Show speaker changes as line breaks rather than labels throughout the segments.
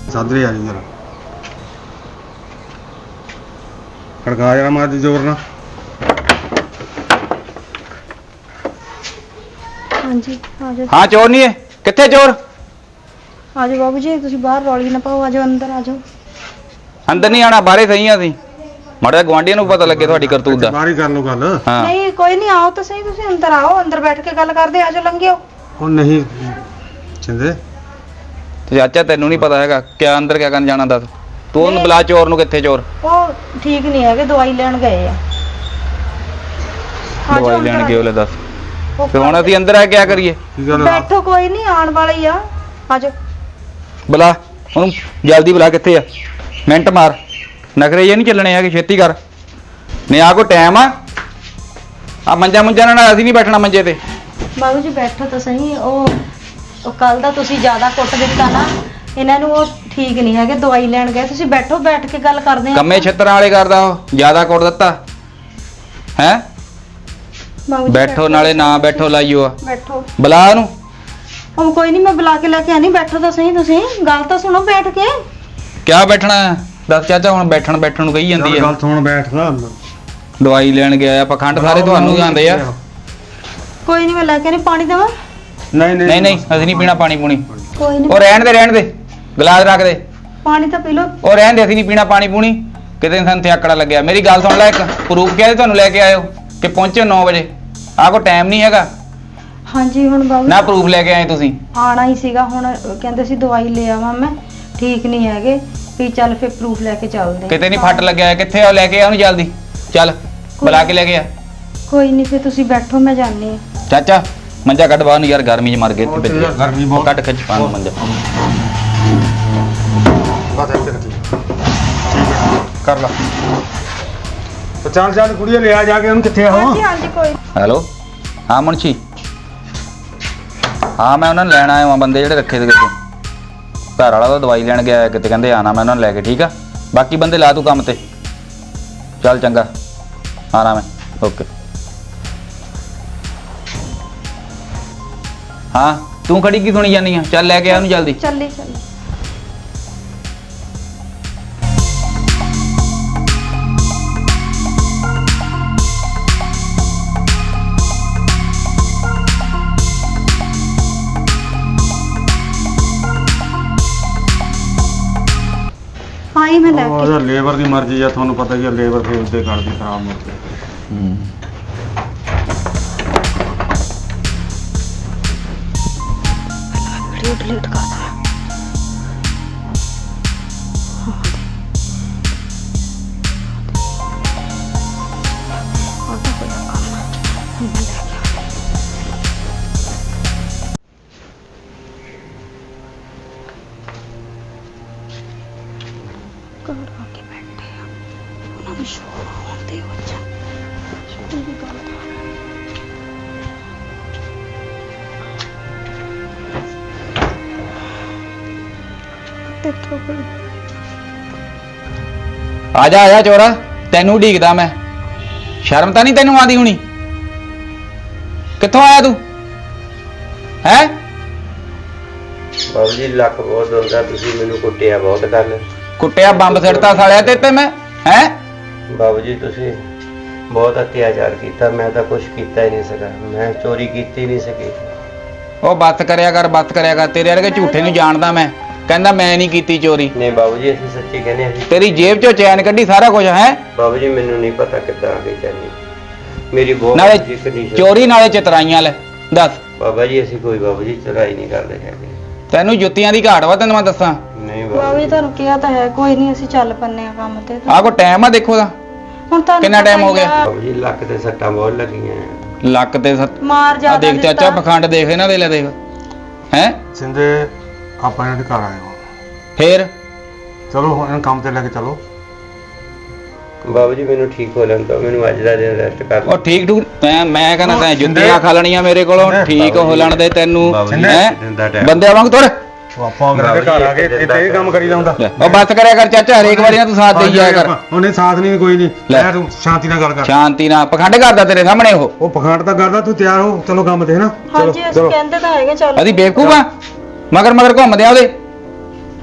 ਸਾਦਰੇ ਆ ਜੀ ਜਰਾ ਖੜਕਾ ਜਰਾ ਮਾਰ ਜ਼ੋਰ ਨਾਲ।
ਹਾਂਜੀ ਆ ਜਾਓ।
ਹਾਂ ਚੋਰ ਨਹੀਂ ਹੈ, ਕਿੱਥੇ ਚੋਰ?
ਆ ਜਾਓ ਬਾਬੂ ਜੀ, ਤੁਸੀਂ ਬਾਹਰ ਰੌਲੀ ਨਾ ਪਾਓ, ਆ ਜਾਓ ਅੰਦਰ ਆ ਜਾਓ।
ਅੰਦਰ ਨਹੀਂ ਆਣਾ, ਬਾਹਰੇ ਸਹੀ ਆ ਅਸੀਂ। ਮਾੜਾ ਗਵਾਂਢੀਆਂ ਨੂੰ ਪਤਾ ਲੱਗੇ ਤੁਹਾਡੀ ਕਰਤੂਤ ਦਾ।
ਬਾਹਰ ਹੀ ਕਰ ਲਓ ਗੱਲ।
ਹਾਂ
ਨਹੀਂ ਕੋਈ ਨਹੀਂ, ਆਓ ਤਾਂ ਸਹੀ, ਤੁਸੀਂ ਅੰਦਰ ਆਓ, ਅੰਦਰ ਬੈਠ ਕੇ ਗੱਲ ਕਰਦੇ, ਆ ਜਾਓ ਲੰਘਿਓ।
ਉਹ ਨਹੀਂ ਚਿੰਦੇ
ਤੇ ਚਾਚਾ ਤੈਨੂੰ ਨਹੀਂ ਪਤਾ ਹੈਗਾ ਕਿਆ ਅੰਦਰ ਕਿਆ ਕਰਨ ਜਾਣਾ ਦੱਸ? ਤੂੰ ਉਹਨੂੰ ਬੁਲਾ ਚੋਰ ਨੂੰ। ਕਿੱਥੇ ਚੋਰ?
ਉਹ ਠੀਕ ਨਹੀਂ ਹੈਗੇ, ਦਵਾਈ ਲੈਣ ਗਏ ਆ। ਆ ਜਾਓ
ਦਵਾਈ
ਅੰਦਰ
ਲੈਣ
ਆ
ਗਏ ਉਹਲੇ ਦੱਸ।
ਜਾਓ।
ਤੇ ਹੁਣ ਅਸੀਂ ਅੰਦਰ ਆ ਕਿਆ ਕਰੀਏ?
ਕੀ ਗੱਲ ਆ?
ਬੈਠੋ, ਕੋਈ ਨਹੀਂ, ਆਉਣ ਵਾਲੇ ਹੀ ਆ, ਆ ਜਾਓ।
ਬੁਲਾ ਉਹਨੂੰ ਜਲਦੀ ਬੁਲਾ। ਕਿੱਥੇ ਆ? ਮਿੰਟ ਮਾਰ, ਨਖਰੇ ਜੇ ਨਹੀਂ ਚੱਲਣੇ ਹੈਗੇ, ਛੇਤੀ ਕਰ। ਨਹੀਂ ਆ ਕੋ ਟਾਈਮ ਆ ਮੰਜਾ ਨਾਲ ਅਸੀਂ ਨਹੀਂ ਬੈਠਣਾ ਮੰਜੇ ਤੇ।
ਬਾਬੂ ਜੀ ਬੈਠੋ ਤਾਂ ਸਹੀ। ਉਹ ਕੱਲ ਦਾ ਤੁਸੀਂ ਜ਼ਿਆਦਾ ਕੁੱਟ ਦਿੱਤਾ ਨਾ ਇਹਨਾਂ ਨੂੰ, ਉਹ ਠੀਕ ਨਹੀਂ ਹੈਗੇ, ਦਵਾਈ ਲੈਣ ਗਏ। ਤੁਸੀਂ ਬੈਠੋ, ਬੈਠ ਕੇ ਗੱਲ ਕਰਦੇ ਆ।
ਕੰਮੇ ਛੱਤਰਾਂ ਵਾਲੇ ਕਰਦਾ ਉਹ, ਜ਼ਿਆਦਾ ਕੁੱਟ ਦਿੱਤਾ ਹੈ।
ਬਾਬੂ ਜੀ
ਬੈਠੋ, ਨਾਲੇ ਨਾ ਬੈਠੋ ਲਾਈਓ ਆ।
ਬੈਠੋ।
ਬੁਲਾ ਉਹਨੂੰ।
ਉਹ ਕੋਈ ਨਹੀਂ, ਮੈਂ ਬੁਲਾ ਕੇ ਲੈ ਕੇ ਆਣੀ। ਬੈਠੋ ਤਾਂ ਸਹੀ, ਤੁਸੀਂ ਗੱਲ ਤਾਂ ਸੁਣੋ ਬੈਠ ਕੇ।
ਕਿਆ ਬੈਠਣਾ ਹੈ? ਦੱਸ ਚਾਚਾ, ਹੁਣ ਬੈਠਣ ਨੂੰ ਕਹੀ ਜਾਂਦੀ ਹੈ।
ਗੱਲ ਸੁਣ, ਬੈਠਦਾ।
ਦਵਾਈ ਲੈਣ ਗਿਆ ਆ, ਪਖੰਡ ਸਾਰੇ ਤੁਹਾਨੂੰ ਹੀ ਆਉਂਦੇ ਆ।
ਕੋਈ ਨਹੀਂ, ਮੈਂ ਲੈ ਕੇ ਆਣੀ। ਪਾਣੀ ਦੇਵਾਂ?
ਨਹੀਂ ਅਸੀਂ ਨਹੀਂ ਪੀਣਾ ਪਾਣੀ ਪੂਣੀ।
ਕੋਈ
ਉਹ
ਨਹੀਂ,
ਰਹਿਣ ਦੇ ਗਲਾਸ ਰੱਖ ਦੇ।
ਪਾਣੀ ਤਾਂ ਪੀ ਲਓ।
ਉਹ ਰਹਿਣ ਦੇ, ਅਸੀਂ ਨਹੀਂ ਪੀਣਾ ਪਾਣੀ ਪੂਣੀ। ਕਿਤੇ ਸਾਨੂੰ ਤੇ ਆਕੜਾ ਲੱਗਿਆ। ਮੇਰੀ ਗੱਲ ਸੁਣ ਲੈ, ਇੱਕ ਪ੍ਰੂਫ ਕਿਹਾ ਤੁਹਾਨੂੰ ਲੈ ਕੇ ਆਇਓ ਕਿ ਪਹੁੰਚੇ 9 ਵਜੇ। ਆਹ ਕੋ ਟਾਈਮ ਨਹੀਂ ਹੈਗਾ
ਹਾਂਜੀ ਹੁਣ ਬਾਬੂ
ਨਾ। ਪ੍ਰੂਫ ਲੈ ਕੇ ਆਏ ਤੁਸੀਂ?
ਆਣਾ ਹੀ ਸੀਗਾ, ਹੁਣ ਕਹਿੰਦੇ ਸੀ ਦਵਾਈ ਲੈ ਆਵਾਂ ਮੈਂ, ਠੀਕ ਨਹੀਂ ਹੈਗੇ ਵੀ ਚੱਲ ਫਿਰ ਪ੍ਰੂਫ ਲੈ ਕੇ ਚੱਲਦੇ।
ਕਿਤੇ ਨਹੀਂ ਫੱਟ ਲੱਗਿਆ? ਕਿੱਥੇ ਆ? ਲੈ ਕੇ ਆ ਉਹਨੂੰ ਜਲਦੀ, ਚੱਲ ਬੁਲਾ ਕੇ ਲੈ ਕੇ ਆ।
ਕੋਈ ਨਹੀਂ, ਫਿਰ ਤੁਸੀਂ ਬੈਠੋ, ਮੈਂ ਜਾਣੀ ਆ।
ਚਾਚਾ ਮੰਜਾ ਕੱਢ ਬਾਹਰ ਨੂੰ ਯਾਰ, ਗਰਮੀ 'ਚ ਮਰ ਗਏ ਇੱਥੇ
ਯਾਰ ਗਰਮੀ ਬਹੁਤ।
ਕੱਢ ਖਿੱਚ ਪਾ ਮੰਜਾ।
ਬਸ ਇੱਥੇ ਰੱਖੀ। ਠੀਕ ਹੈ ਕਰ ਲਾ। ਤੇ ਚੱਲ ਕੁੜੀਏ ਲਿਆ ਜਾ ਕੇ ਉਹਨੂੰ। ਕਿੱਥੇ ਆ ਉਹ?
ਹਾਂਜੀ ਹਾਂਜੀ ਕੋਈ
ਹੈਲੋ ਹਾਂ ਮੁਨਸ਼ੀ। ਹਾਂ ਮੈਂ ਉਹਨਾਂ ਨੂੰ ਲੈਣ ਆਇਆ ਹਾਂ, ਬੰਦੇ ਜਿਹੜੇ ਰੱਖੇ ਸੀਗੇ। ਘਰ ਵਾਲਾ ਤਾਂ ਦਵਾਈ ਲੈਣ ਗਿਆ ਕਿਤੇ, ਕਹਿੰਦੇ ਆਣਾ ਮੈਂ ਉਹਨਾਂ ਨੂੰ ਲੈ ਕੇ। ਠੀਕ ਆ, ਬਾਕੀ ਬੰਦੇ ਲਾ ਤੂੰ ਕੰਮ ਤੇ। ਚੱਲ ਚੰਗਾ, ਆਣਾ ਮੈਂ। ਓਕੇ। ਹਾਂ ਤੂੰ ਖੜੀ ਕੀ ਸੁਣੀ ਜਾਂਦੀ ਆ? ਚੱਲ ਲੈ ਕੇ ਆ ਉਹਨੂੰ ਜਲਦੀ।
ਚੱਲੀ। ਆਈ ਮੈਂ ਲੈ ਕੇ।
ਉਹ ਲੇਬਰ ਦੀ ਮਰਜ਼ੀ ਆ, ਤੁਹਾਨੂੰ ਪਤਾ ਹੀ ਆ, ਲੇਬਰ ਫੇਰ ਉੱਤੇ ਕਰਦੀ ਖਰਾਬ ਮੁੜ ਕੇ।
ਵੀਡੀਓ ਡਿਲੀਟ ਕਰ ਦਾਂ।
ਆ ਜਾ ਚੋਰਾ, ਤੈਨੂੰ ਢੀਕਦਾ ਮੈਂ। ਸ਼ਰਮ ਤਾਂ ਨਹੀਂ ਤੈਨੂੰ ਆਦੀ ਹੁਣੀ? ਕਿੱਥੋਂ ਆਇਆ ਤੂੰ ਹੈ?
ਬਾਬੂ ਜੀ ਲੱਕ ਬਹੁਤ ਹੁੰਦਾ, ਤੁਸੀਂ ਮੈਨੂੰ ਕੁੱਟਿਆ ਬਹੁਤ ਕੱਲ।
ਕੁੱਟਿਆ? ਬੰਬ ਸਿੱਟਤਾ ਸਾਲਿਆ ਤੇ ਮੈਂ ਹੈ?
ਬਾਬੂ ਜੀ ਤੁਸੀਂ ਬਹੁਤ ਅਤਿਆਚਾਰ ਕੀਤਾ, ਮੈਂ ਤਾਂ ਕੁਝ ਕੀਤਾ ਹੀ ਨਹੀਂ ਸਕਿਆ, ਮੈਂ ਚੋਰੀ ਕੀਤੀ ਨਹੀਂ ਸਕੀ।
ਉਹ ਬੱਤ ਕਰਿਆ ਕਰ, ਤੇਰੇ ਵਰਗੇ ਝੂਠੇ ਨੂੰ ਜਾਣਦਾ ਮੈਂ। ਕਹਿੰਦਾ ਮੈਂ ਨਹੀਂ ਕੀਤੀ ਚੋਰੀ।
ਨਹੀਂ ਬਾਬੂ ਜੀ ਅਸੀਂ ਸੱਚੀ ਕਹਿੰਦੇ ਅਸੀਂ।
ਤੇਰੀ ਜੇਬ ਚੋਂ ਚੈਨ ਕੱਢੀ, ਸਾਰਾ ਕੁਝ ਹੈ।
ਬਾਬੂ ਜੀ ਮੈਨੂੰ ਨਹੀਂ ਪਤਾ ਕਿੱਦਾਂ ਆ ਗਈ ਚੈਨੀ, ਮੇਰੀ ਬਹੁਤ
ਨਾਲੇ
ਕੰਡੀਸ਼ਨ।
ਚੋਰੀ ਨਾਲੇ ਚਤਰਾਈਆਂ ਲੈ। ਦੱਸ
ਬਾਬਾ ਜੀ ਅਸੀਂ ਕੋਈ ਬਾਬੂ ਜੀ ਚੁਰਾਈ ਨਹੀਂ ਕਰਦੇ ਹੈਗੇ।
ਤੈਨੂੰ ਜੁੱਤੀਆਂ ਦੀ ਘਾਟ ਵਾ, ਤੈਨੂੰ ਮੈਂ ਦੱਸਾਂ।
ਨਹੀਂ
ਬਾਬੂ ਜੀ ਤੁਹਾਨੂੰ ਕਿਹਾ ਤਾਂ ਹੈ, ਕੋਈ ਨਹੀਂ ਅਸੀਂ ਚੱਲ ਪੰਨੇ ਆ ਕੰਮ ਤੇ।
ਆਹ ਕੋ ਟਾਈਮ ਆ ਦੇਖੋ ਦਾ,
ਹੁਣ ਤੁਹਾਨੂੰ
ਕਿੰਨਾ
ਪਤਾ
time ਹੋ
ਹੀ
ਗਿਆ?
ਆ,
ਬਾਬੂ ਜੀ ਲੱਕ ਤੇ ਸੱਟਾਂ ਬਹੁਤ ਲੱਗੀਆਂ।
ਲੱਕ ਤੇ
ਮਾਰ
ਆ
ਜ਼ਿਆਦਾ
ਦੇਖ ਚਾਚਾ,
ਦਿੱਤਾ।
ਪਖੰਡ ਦੇਖ ਇਹਨਾਂ ਦੇ, ਲੈ ਦੇਖ ਹੈ।
ਸਿੰਦੇ ਆਪਾਂ ਇਹਨਾਂ ਦੇ ਘਰ ਆਏ ਹੋ,
ਫੇਰ
ਚਲੋ ਹੁਣ ਇਹਨੂੰ ਕੰਮ ਤੇ ਲੈ ਕੇ ਚਲੋ।
ਬਾਬੂ ਜੀ ਮੈਨੂੰ ਠੀਕ ਹੋ ਲੈਣ ਦਿਓ, ਮੈਨੂੰ ਅੱਜ ਦਾ ਦਿਨ ਰੈਸਟ ਕਰ
ਉਹ ਠੀਕ ਠੂਕ ਮੈਂ ਕਹਿੰਦਾ ਤੈਂ ਜੁੱਤੀਆਂ ਖਾ ਲੈਣੀਆਂ ਮੇਰੇ ਕੋਲੋਂ। ਠੀਕ ਹੋ ਲੈਣ ਦੇ ਤੈਨੂੰ ਹੈ, ਬੰਦੇ ਵਾਂਗ ਤੁਰ।
ਉਹ ਆਪਾਂ ਉਹਨਾਂ ਦੇ ਘਰ ਆ ਕੇ ਇੱਥੇ ਇਹ ਕੰਮ ਕਰੀਦਾ ਹੁੰਦਾ।
ਉਹ ਬੱਸ ਕਰਿਆ ਕਰ ਚਾਚਾ, ਹਰੇਕ ਵਾਰੀ ਨਾ ਤੂੰ ਸਾਥ ਦੇਈ ਜਾਇਆ ਕਰ।
ਉਹਨੇ ਸਾਥ ਨਹੀਂ, ਕੋਈ ਨਹੀਂ ਲੈ, ਤੂੰ ਸ਼ਾਂਤੀ ਨਾਲ ਗੱਲ ਕਰ।
ਸ਼ਾਂਤੀ ਨਾਲ ਪਖੰਡ ਕਰਦਾ ਤੇਰੇ ਸਾਹਮਣੇ ਉਹ
ਪਖੰਡ ਤਾਂ ਕਰਦਾ, ਤੂੰ ਤਿਆਰ ਹੋ, ਚਲੋ ਕੰਮ ਤੇ। ਨਾ
ਹਾਂਜੀ ਅਸੀਂ ਕਹਿੰਦੇ ਤਾਂ ਹੈਗੇ ਚੱਲ।
ਅਸੀਂ ਬੇਵਕੂਫ ਆ? ਮਗਰ ਘੁੰਮਦੇ ਆ ਉਹਦੇ।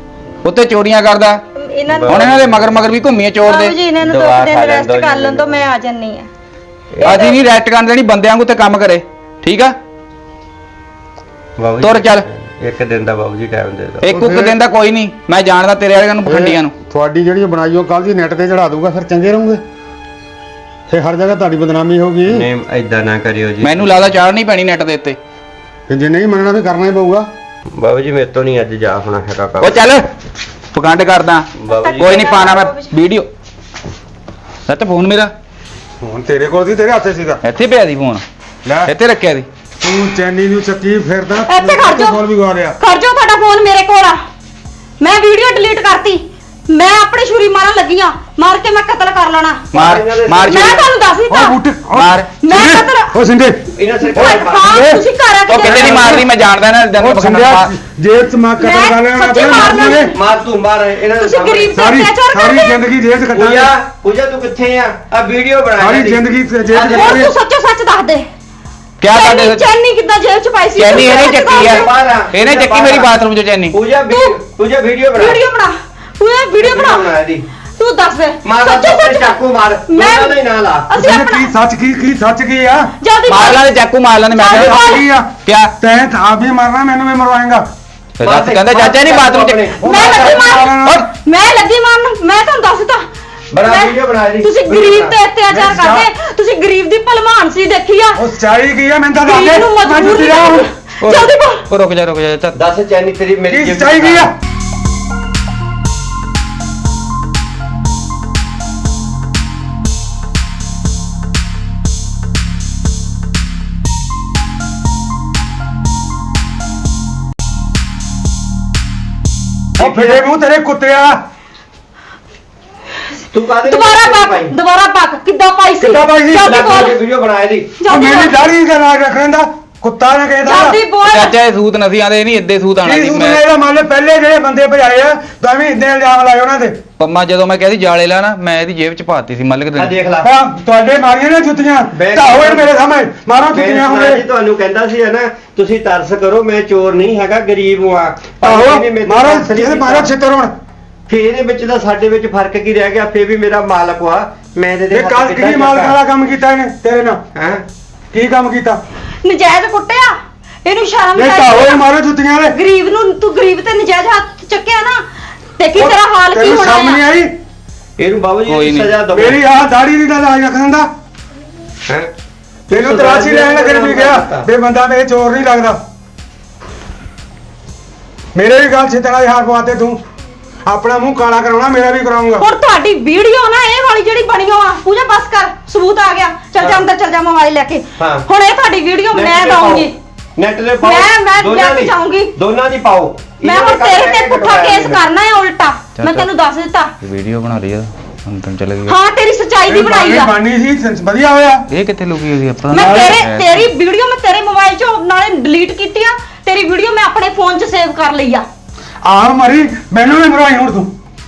ਉੱਤੇ ਚੋਰੀਆਂ ਕਰਦਾ।
ਇਹਨਾਂ ਨੂੰ
ਹੁਣ ਇਹਨਾਂ ਦੇ ਮਗਰ ਮਗਰ ਵੀ ਘੁੰਮੀਏ ਚੋਰ
ਬਾਬੂ
ਦੇ।
ਜੀ ਇਹਨਾਂ ਨੂੰ
ਦਵਾ
2 ਦਿਨ
ਖਾ ਲੈਣ
ਰੈਸਟ
ਦਿਓ
ਕਰ
ਜੀ
ਲੈਣ ਤੋਂ ਮੈਂ ਆ ਜੰਨੀ ਆ।
ਅਸੀਂ ਨਹੀਂ ਰੈਸਟ ਕਰਨ ਦੇਣੀ, ਬੰਦਿਆਂ ਨੂੰ ਤੇ ਕੰਮ ਕਰੇ, ਠੀਕ ਆ?
ਬਾਬੂ
ਤੁਰ ਚੱਲ।
ਇੱਕ ਦਿਨ ਦਾ ਬਾਬੂ ਜੀ ਟਾਈਮ ਦੇ ਦਿਓ।
ਇੱਕ ਉੱਕ ਦਿਨ ਦਾ ਕੋਈ ਨਹੀਂ, ਮੈਂ ਜਾਣਦਾ ਤੇਰੇ ਵਾਲਿਆਂ ਨੂੰ ਪਖੰਡੀਆਂ ਨੂੰ।
ਤੁਹਾਡੀ ਜਿਹੜੀ ਬਣਾਈ ਉਹ ਕੱਲ ਦੀ ਨੈਟ ਤੇ ਚੜਾ ਦੂਗਾ, ਫਿਰ ਚੰਗੇ ਰਹੋਗੇ। ਫੇ ਹਰ ਜਗ੍ਹਾ ਤੁਹਾਡੀ ਬਦਨਾਮੀ ਹੋਗੀ।
ਨਹੀਂ ਐਦਾਂ ਨਾ ਕਰਿਓ ਜੀ।
ਮੈਨੂੰ ਲੱਗਦਾ ਚਾੜ ਨਹੀਂ ਪੈਣੀ ਨੈਟ ਦੇ ਉੱਤੇ।
ਤੇ ਜੇ ਨਹੀਂ ਮੰਨਣਾ ਫਿਰ ਕਰਨਾ ਹੀ ਪਊਗਾ।
ਬਾਬੂ ਜੀ ਮੇਰੇ ਤੋਂ ਨਹੀਂ ਅੱਜ ਜਾ ਹੋਣਾ ਹੈਗਾ ਕੰਮ।
ਉਹ ਚੱਲ ਪਖੰਡ ਕਰਦਾ,
ਬਾਬੂ ਜੀ
ਕੋਈ ਨਹੀਂ ਪਾਣਾ ਮੈਂ ਵੀਡੀਓ। ਸੱਤ ਫੋਨ ਮੇਰਾ
ਹੁਣ ਤੇਰੇ ਕੋਲ ਸੀ, ਤੇਰੇ ਹੱਥੇ ਸੀਗਾ।
ਇੱਥੇ ਪਿਆ ਸੀ ਫੋਨ,
ਲੈ
ਇੱਥੇ ਰੱਖਿਆ ਸੀ।
ਤੂੰ ਚੈਨੀ ਨੂੰ ਚੱਕੀ ਫਿਰਦਾ,
ਇੱਥੇ ਖੜ ਜਾ।
ਫੋਨ ਵੀ ਗਵਾ ਰਿਹਾ।
ਖੜ ਜਾਓ, ਤੁਹਾਡਾ ਫੋਨ ਮੇਰੇ ਕੋਲ ਆ। ਮੈਂ ਵੀਡੀਓ ਡਿਲੀਟ ਕਰਤੀ। ਮੈਂ ਆਪਣੀ ਛੁਰੀ ਮਾਰਨ ਲੱਗੀ ਆ, ਮਾਰ ਕੇ ਮੈਂ ਕਤਲ ਕਰ ਲੈਣਾ।
ਮਾਰ ਮਾਰ
ਮੈਂ ਤੁਹਾਨੂੰ ਦੱਸ ਦਿੱਤਾ।
ਉਹ ਬੂਟੇ
ਮਾਰ।
ਮੈਂ ਕਤਲ
ਉਹ ਸਿੰਦੇ
ਇਹਨਾਂ
ਓਏ,
ਸਰਕਾਰ
ਹਾਂ ਤੁਸੀਂ ਘਰ ਆ
ਉਹ ਕਿਤੇ ਨਹੀਂ ਮਾਰਦੀ, ਮੈਂ ਜਾਣਦਾ ਨਾ
ਉਹ
ਪਖੰਡ
ਸਿੰਦਿਆ ਜੇਲ੍ਹ ਚ ਮਾਰ ਕਤਲ
ਮੈਂ
ਕਰ ਲੈਣਾ
ਸੱਚੀ
ਆਪਣੇ
ਮਾਰਨਾ।
ਮਾਰਨੇ।
ਮਾਰ ਤੂੰ ਮਾਰ ਇਹਨਾਂ ਦੇ
ਤੁਸੀਂ ਗਰੀਬ ਤੇ
ਸਾਰੀ
ਅਤਿਆਚਾਰ
ਸਾਰੀ
ਕਰਦੇ।
ਜ਼ਿੰਦਗੀ ਜੇਲ੍ਹ ਚ
ਪੂਜਾ
ਕੱਟਾਂਗੇ।
ਪੂਜਾ ਤੂੰ ਕਿੱਥੇ ਆ? ਆ ਵੀਡੀਓ ਬਣਾ
ਸਾਰੀ
ਇਹਦੀ।
ਜ਼ਿੰਦਗੀ ਜੇਲ੍ਹ ਚ
ਹੋਰ
ਕੱਟਾਂਗੇ।
ਤੂੰ ਸੱਚੋ ਸੱਚ ਦੱਸ ਦੇ।
ਕਿਆ ਕਰਦੇ?
ਚੈਨੀ ਕਿੱਦਾਂ ਜੇਬ ਚ ਪਾਈ ਸੀ?
ਚੈਨੀ ਇਹਨੇ
ਤੂੰ
ਚੱਕੀ ਆ,
ਬਾਹਰ ਆ।
ਇਹਨੇ ਚੱਕੀ ਮੇਰੀ ਬਾਥਰੂਮ ਚ ਚੈਨੀ।
ਪੂਜਾ ਪੂਜਾ ਵੀਡੀਓ ਬਣਾ।
ਵੀਡੀਓ ਬਣਾ। ਤੂੰ ਇਹ ਵੀਡੀਓ
ਬਣਾ
ਬਣਾ।
ਇਹਦੀ।
ਤੂੰ ਦੱਸ ਦੇ।
ਮਾਰ
ਸੱਚੋ
ਆਪਣੇ
ਸੱਚ
ਚਾਕੂ ਮਾਰ।
ਮੈਂ
ਦੋਨਾਂ ਦਾ ਹੀ ਨਾਂ ਲਾ।
ਅਸੀਂ
ਕੀ
ਆਪਣਾ
ਸੱਚ ਕੀ ਸੱਚ ਕੀ ਆ?
ਜਲਦੀ
ਮਾਰ ਲਾਂਦੇ ਚਾਕੂ ਮਾਰ ਲਾਂਦੇ। ਮੈਂ
ਚੱਲ
ਕਹਿੰਦਾ
ਬੋਲ।
ਕੀ ਆ?
ਕਿਆ
ਤੈਂ ਤਾਂ ਆਪ ਵੀ ਮਰਨਾ, ਮੈਨੂੰ ਵੀ ਮਰਵਾਏਗਾ।
ਦੱਸ, ਕਹਿੰਦਾ ਚਾਚਾ ਨਹੀਂ ਬਾਥਰੂਮ ਚ।
ਮੈਂ ਲੱਗੀ ਮਾਰਨ। ਮੈਂ ਲੱਗੀ ਮਾਰਨ। ਮੈਂ ਤੁਹਾਨੂੰ ਦੱਸ ਦਿੱਤਾ।
ਬਣਾ
ਮੈਂ-
ਵੀਡੀਓ ਬਣਾ ਇਹਦੀ।
ਤੁਸੀਂ
ਵੀਡੀਓ
ਗਰੀਬ
ਬਣਾ।
ਤੇ ਅਤਿਆਚਾਰ
ਮੈਂ
ਕਰਦੇ। ਤੁਸੀਂ ਗਰੀਬ ਦੀ ਭਲਮਾਨ ਸੀ ਦੇਖੀ ਆ।
ਉਹ ਚਾਹੀ ਕੀ ਆ? ਮੈਨੂੰ ਤਾਂ ਦੱਸ
ਗਰੀਬ
ਦੇ।
ਨੂੰ
ਮੈਂ
ਮਜਬੂਰ
ਜੁੱਤੀ
ਨਹੀਂ
ਲਾਊਂ।
ਕਰਨਾ। ਜਲਦੀ ਬੋਲ।
ਉਹ ਰੁਕ ਜਾ ਚੱਲ।
ਦੱਸ ਚੈਨੀ ਤੇਰੀ ਮੇਰੀ
ਕੀ ਚਾਹੀ ਕੀ ਆ? ਉਹ ਫਿਰੇ ਮੂੰਹ ਤੇਰੇ ਕੁੱਤਿਆ।
ਤੂੰ ਕਾਹਦੇ
ਦੁਬਾਰਾ ਪੱਕ ਕਿੱਦਾਂ ਪਾਈ ਸੀ?
ਕਿੱਦਾਂ ਪਾਈ ਸੀ?
ਜਲਦੀ ਬੋਲ।
ਵੀਡੀਓ ਬਣਾ ਇਹਦੀ।
ਉਹ
ਜਲਦੀ
ਮੇਰੀ
ਬੋਲ।
ਦਾੜੀ ਦਾ ਨਾਗ ਰੱਖ ਲੈਂਦਾ ਕੁੱਤਾ ਨਾ ਕਹਿਦਾ।
ਜਲਦੀ ਬੋਲ।
ਚਾਚਾ ਇਹ ਸੂਤ ਨਸੀ ਆਦੇ ਨਹੀਂ, ਇੱਦੇ ਸੂਤ ਆਣਾ
ਕੀ
ਸੀ
ਸੂਤ
ਮੈਂ।
ਇਹਦਾ ਮੰਨ ਲੈ ਪਹਿਲੇ ਜਿਹੜੇ ਬੰਦੇ ਭਜਾਏ ਆ ਤਾਂ ਵੀ ਇਦਾਂ ਇਲਜ਼ਾਮ ਲਾਏ ਉਹਨਾਂ ਤੇ।
ਪੰਮਾ ਜਦੋਂ ਮੈਂ ਕਹਿੰਦੀ ਜਾਲੇ ਲਾ ਨਾ, ਮੈਂ ਇਹਦੀ ਜੇਬ ਚ ਪਾਤੀ ਸੀ ਮਲਕ
ਆ
ਦੇ।
ਦੇਖ ਲੈ।
ਹਾਂ ਤੁਹਾਡੇ ਮਾਰੀਆਂ ਨੇ ਜੁੱਤੀਆਂ ਢਾਓ ਇਹ ਮੇਰੇ ਸਾਹਮਣੇ ਮਾਰੋ ਜੁੱਤੀਆਂ
ਮੈਂ ਜੀ
ਹੁਣੇ।
ਤੁਹਾਨੂੰ ਕਹਿੰਦਾ ਸੀ ਨਾ ਤੁਸੀਂ ਤਰਸ ਕਰੋ, ਮੈਂ ਚੋਰ ਨਹੀਂ ਹੈਗਾ, ਗਰੀਬ ਹਾਂ।
ਆਹੋ
ਇਹਨੇ ਮੇਰੇ ਤੋਂ
ਮਾਰੋ
ਤਰਸ ਨਹੀਂ
ਇਹਦੇ ਮਾਰੋ
ਕੀਤਾ।
ਛਿੱਤਰ ਹੁਣ।
ਫੇਰ ਇਹਦੇ ਵਿੱਚ ਤਾਂ ਸਾਡੇ ਵਿੱਚ ਫਰਕ ਕੀ ਰਹਿ ਗਿਆ? ਫੇਰ ਵੀ ਮੇਰਾ ਮਾਲਕ ਵਾ, ਮੈਂ ਇਹਦੇ
ਇਹ ਕੱਲ ਕੀ ਮਾਲਕ ਵਾਲਾ ਕੰਮ ਕੀਤਾ ਇਹਨੇ ਤੇਰੇ ਨਾਲ?
ਹੈ।
ਕੀ ਕੰਮ ਕੀਤਾ?
ਨਜਾਇਜ਼ ਕੁੱਟਿਆ। ਇਹਨੂੰ ਸ਼ਰਮ
ਇਹ ਢਾਓ ਇਹ ਮਾਰੋ ਜੁੱਤੀਆਂ ਦੇ।
ਗਰੀਬ ਨੂੰ ਤੂੰ ਗਰੀਬ ਤੇ ਨਜਾਇਜ਼ ਹੱਥ ਚੱਕਿਆ ਨਾ। ਦੇਖੀ ਤੇਰਾ ਹਾਲ ਕੀ
ਤੈਨੂੰ
ਹੋਣਾ
ਸ਼ਰਮ ਨਹੀਂ
ਹੈ।
ਆਈ?
ਇਹਨੂੰ ਬਾਬੂ
ਕੋਈ
ਜੀ
ਨਹੀਂ।
ਸਜ਼ਾ ਦਵੋ।
ਮੇਰੀ ਆਹ ਦਾੜੀ ਦੀ ਦਾ ਲਾਜ ਰੱਖ ਦਿੰਦਾ।
ਹੈ।
ਤੈਨੂੰ ਤਰਾਸ਼ੀ ਲੈਣ ਲੱਗਣ ਵੀ ਗਿਆ ਵੀ ਬੰਦਾ ਮੇਰੇ ਚੋਰ ਨਹੀਂ ਲੱਗਦਾ। ਮੇਰੇ ਵੀ ਗੱਲ ਛਿੱਤਣਾ ਦੀ ਹਾਰ ਪਵਾਤੇ ਤੂੰ। ਆਪਣਾ ਮੂੰਹ ਕਾਲਾ ਕਰਾਉਣਾ, ਮੇਰਾ ਵੀ ਕਰਾਉਂਗਾ।
ਹੁਣ ਤੁਹਾਡੀ ਵੀਡੀਓ ਨਾ ਇਹ ਵਾਲੀ ਜਿਹੜੀ ਬਣੀ ਆ ਪੂਜਾ ਬਸ ਕਰ, ਸਬੂਤ ਆ ਗਿਆ। ਚੱਲ ਜਾ ਅੰਦਰ ਚੱਲ ਜਾ ਮੋਬਾਈਲ ਲੈ ਕੇ।
ਹਾਂ।
ਹੁਣ ਇਹ ਤੁਹਾਡੀ ਵੀਡੀਓ ਮੈਂ ਦਊਂਗੀ।
ਨੈਟ ਤੇ ਪਾਓ।
ਮੈਂ
ਦੋਨਾਂ
ਲੈ ਕੇ
ਦੀ।
ਜਾਊਂਗੀ।
ਦੋਨਾਂ ਦੀ ਪਾਓ।
ਮੈਂ
ਇਹਨਾਂ
ਹੁਣ
ਦੇ
ਤੇਰੇ
ਕਰਕੇ
ਤੇ ਪੁੱਠਾ ਕੇਸ ਕਰਨਾ ਹੈ ਉਲਟਾ। ਮੈਂ ਤੈਨੂੰ ਦੱਸ ਦਿੱਤਾ।
ਵੀਡੀਓ ਬਣਾ ਲਈ ਆ, ਹੁਣ ਤੈਨੂੰ ਚੱਲ ਗਈ।
ਹਾਂ ਤੇਰੀ ਸੱਚਾਈ ਦੀ ਬਣਾਈ ਆ।
ਬਾਨੀ ਸੀ ਵਧੀਆ ਹੋਇਆ।
ਇਹ ਕਿੱਥੇ ਲੁਕੀ ਹੋਈ ਆਪਾਂ
ਮੈਂ ਤੇਰੀ ਵੀਡੀਓ ਮੈਂ ਤੇਰੇ ਮੋਬਾਈਲ 'ਚੋਂ ਨਾਲੇ ਡਿਲੀਟ ਕੀਤੀ ਆ। ਤੇਰੀ ਵੀਡੀਓ ਮੈਂ ਆਪਣੇ ਫੋਨ 'ਚ ਸੇਵ ਕਰ ਲਈ ਆ।
ਆਹ ਮਰੀ ਮੈਨੂੰ ਵੀ ਮਰਵਾਈ ਹੁਣ ਤੂੰ।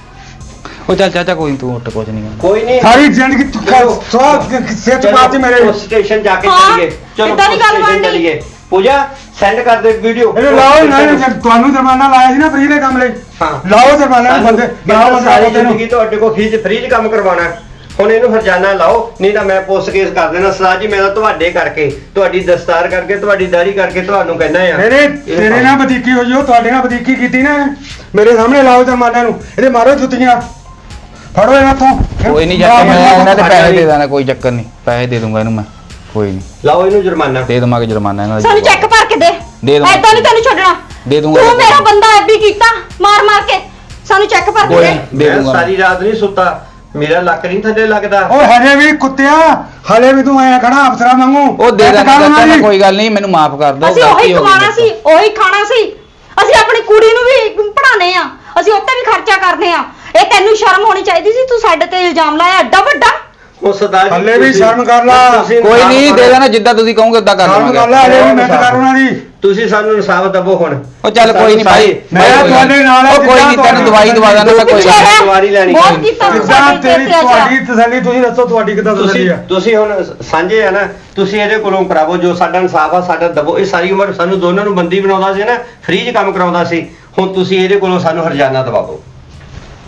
ਉਹ ਚੱਲ ਚਾਚਾ ਕੋਈ ਨੀ, ਤੂੰ ਉੱਠ ਕੁਝ ਨਹੀਂ ਕਰਨਾ।
ਕੋਈ ਨਹੀਂ।
ਸਾਰੀ ਜ਼ਿੰਦਗੀ ਤੂੰ ਸਵਾਲ ਸਿਰ ਚ ਪਾਤੀ ਮੇਰੇ।
ਉਸ ਸਟੇਸ਼ਨ ਜਾ ਕੇ
ਹਾਂ,
ਚੱਲੀਏ। ਚਲੋ
ਏਦਾਂ ਦੀ ਗੱਲ
ਪੁਲਿਸ ਸਟੇਸ਼ਨ
ਬਣਨੀ।
ਚੱਲੀਏ। ਪੂਜਾ ਸੈਂਡ ਕਰ ਦੇ ਵੀਡੀਓ।
ਇਹਨੂੰ ਲਾਓ ਨਾ, ਤੁਹਾਨੂੰ ਜੁਰਮਾਨਾ ਲਾਇਆ ਸੀ ਨਾ ਫ੍ਰੀ ਦੇ ਕੰਮ ਲਈ।
ਹਾਂ।
ਲਾਓ ਜੁਰਮਾਨਾ ਨੂੰ ਬੰਦੇ ਲਾਓ ਬੰਦੇ
ਸਾਰੀ
ਤੈਨੂੰ।
ਜ਼ਿੰਦਗੀ ਤੁਹਾਡੇ ਕੋਲ ਫ੍ਰੀ ਚ ਕੰਮ ਕਰਵਾਉਣਾ ਹੈ। ਹੁਣ ਇਹਨੂੰ ਹਰਜਾਨਾ ਲਾਓ, ਨਹੀਂ ਤਾਂ ਮੈਂ ਪੁਲਿਸ ਕੇਸ ਕਰ ਦੇਣਾ। ਸਰਦਾਰ ਜੀ ਮੈਂ ਤਾਂ ਤੁਹਾਡੇ ਕਰਕੇ, ਤੁਹਾਡੀ ਦਸਤਾਰ ਕਰਕੇ, ਤੁਹਾਡੀ ਦਾੜੀ ਕਰਕੇ ਤੁਹਾਨੂੰ ਕਹਿੰਦਾ ਆ।
ਤੇਰੇ ਨਾਲ ਵਧੀਕੀ ਹੋਈ ਉਹ ਤੁਹਾਡੇ ਨਾਲ ਵਧੀਕੀ ਕੀਤੀ ਨਾ ਇਹਨੇ। ਮੇਰੇ ਸਾਹਮਣੇ ਲਾਓ ਜੁਰਮਾਨਾ ਨੂੰ। ਇਹਦੇ ਮਾਰੋ ਜੁੱਤੀਆਂ। ਫੜੋ ਇਹਨਾਂ ਤੋਂ।
ਕੋਈ ਨਹੀਂ ਚਾਚਾ, ਮੈਂ ਇਹਨਾਂ ਦੇ ਪੈਸੇ ਦੇ ਦਾਂਗਾ, ਕੋਈ ਚੱਕਰ ਨਹੀਂ। ਪੈਸੇ ਦੇ ਦੂੰਗਾ ਇਹਨੂੰ ਮੈਂ, ਕੋਈ ਨਹੀਂ।
ਲਾਓ ਇਹਨੂੰ ਜੁਰਮਾਨਾ।
ਦੇ ਦਵਾਂਗੇ ਜੁਰਮਾਨਾ ਇਹਨਾਂ ਦਾ।
ਸਾਨੂੰ ਚੈੱਕ ਭਰ ਕੇ ਦੇ।
ਦੇ ਦੂੰਗਾ।
ਐਦਾਂ ਨਹੀਂ ਤੈਨੂੰ ਛੱਡਣਾ।
ਦੇ ਦੂੰਗਾ।
ਤੂੰ ਮੇਰਾ ਬੰਦਾ ਐਬੀ ਕੀਤਾ ਮਾਰ ਮਾਰ ਕੇ। ਸਾਨੂੰ ਚੈੱਕ ਭਰ ਕੇ
ਕੋਈ
ਦੇ।
ਨੀ। ਦੇ
ਮੈਂ
ਦੂੰਗਾ।
ਸਾਰੀ ਰਾਤ ਨਹੀਂ ਸੁੱਤਾ, ਮੇਰਾ ਲੱਕ ਨਹੀਂ ਥੱਲੇ ਲੱਗਦਾ।
ਓਏ ਹਜੇ ਵੀ ਕੁੱਤਿਆ, ਹਲੇ ਵੀ ਤੂੰ ਐ ਖੜਾ ਅਫਸਰਾਂ ਵਾਂਗੂ।
ਉਹ ਦੇ ਦਾਂਗਾ ਚਾਚਾ, ਮੈਂ ਕੋਈ ਗੱਲ ਨਹੀਂ, ਮੈਨੂੰ ਮਾਫ ਕਰ ਦਿਓ।
ਅਸੀਂ ਉਹੀ ਕਮਾਣਾ ਸੀ, ਉਹੀ ਖਾਣਾ ਸੀ। ਅਸੀਂ ਆਪਣੀ ਕੁੜੀ ਨੂੰ ਵੀ ਪੜਾਣੇ ਆ। ਅਸੀਂ ਉੱਤੇ ਵੀ ਖਰਚਾ ਕਰਦੇ ਆ। ਇਹ ਤੈਨੂੰ ਸ਼ਰਮ ਹੋਣੀ ਚਾਹੀਦੀ ਸੀ। ਤੂੰ ਸਾਡੇ ਤੇ ਇਲਜ਼ਾਮ ਲਾਇਆ ਐਡਾ ਵੱਡਾ।
ਉਹ ਸਰਦਾਰ ਜੀ
ਹਲੇ ਵੀ ਸ਼ਰਮ ਕਰ ਲਾ।
ਕੋਈ ਨਹੀਂ, ਦੇ ਦੇਣਾ ਜਿੱਦਾਂ ਤੁਸੀਂ ਕਹੋਗੇ ਉਦਾਂ ਕਰ
ਸ਼ਰਮ ਕਰ ਲੈ,
ਲਵਾਂਗੇ।
ਹਲੇ ਵੀ ਮਿਹਨਤ ਕਰ ਉਹਨਾਂ ਦੀ।
ਤੁਸੀਂ ਸਾਨੂੰ ਇਨਸਾਫ ਦਵੋ ਹੁਣ।
ਉਹ ਚੱਲ ਕੋਈ ਨਹੀਂ ਭਾਈ,
ਮੈਂ ਤੁਹਾਡੇ ਨਾਲ ਆ,
ਉਹ ਕੋਈ ਨਹੀਂ, ਤੈਨੂੰ ਦਵਾਈ ਦਵਾ ਦਾਂਗਾ ਮੈਂ, ਕੋਈ
ਪਿੱਛੇ
ਗੱਲ
ਰਹਿ।
ਸਵਾਰੀ ਲੈਣੀ।
ਬਹੁਤ ਕੀਤਾ ਤੂੰ
ਕਿੱਦਾਂ
ਸਾਡੇ
ਤੇਰੀ
ਤੇ ਅਤਿਆਚਾਰ।
ਤੁਹਾਡੀ ਤਸੱਲੀ ਤੁਸੀਂ ਦੱਸੋ, ਤੁਹਾਡੀ ਕਿੱਦਾਂ ਤਸੱਲੀ
ਤੁਸੀਂ
ਆ?
ਤੁਸੀਂ ਹੁਣ ਸਾਂਝੇ ਆ ਨਾ, ਤੁਸੀਂ ਇਹਦੇ ਕੋਲੋਂ ਕਰਾਵੋ ਜੋ ਸਾਡਾ ਇਨਸਾਫ ਆ, ਸਾਡਾ ਦਵੋ। ਇਹ ਸਾਰੀ ਉਮਰ ਸਾਨੂੰ ਦੋਨਾਂ ਨੂੰ ਬੰਦੀ ਬਣਾਉਂਦਾ ਸੀ ਨਾ, ਫ੍ਰੀ 'ਚ ਕੰਮ ਕਰਾਉਂਦਾ ਸੀ। ਹੁਣ ਤੁਸੀਂ ਇਹਦੇ ਕੋਲੋਂ ਸਾਨੂੰ ਹਰਜਾਨਾ ਦਵਾਓ।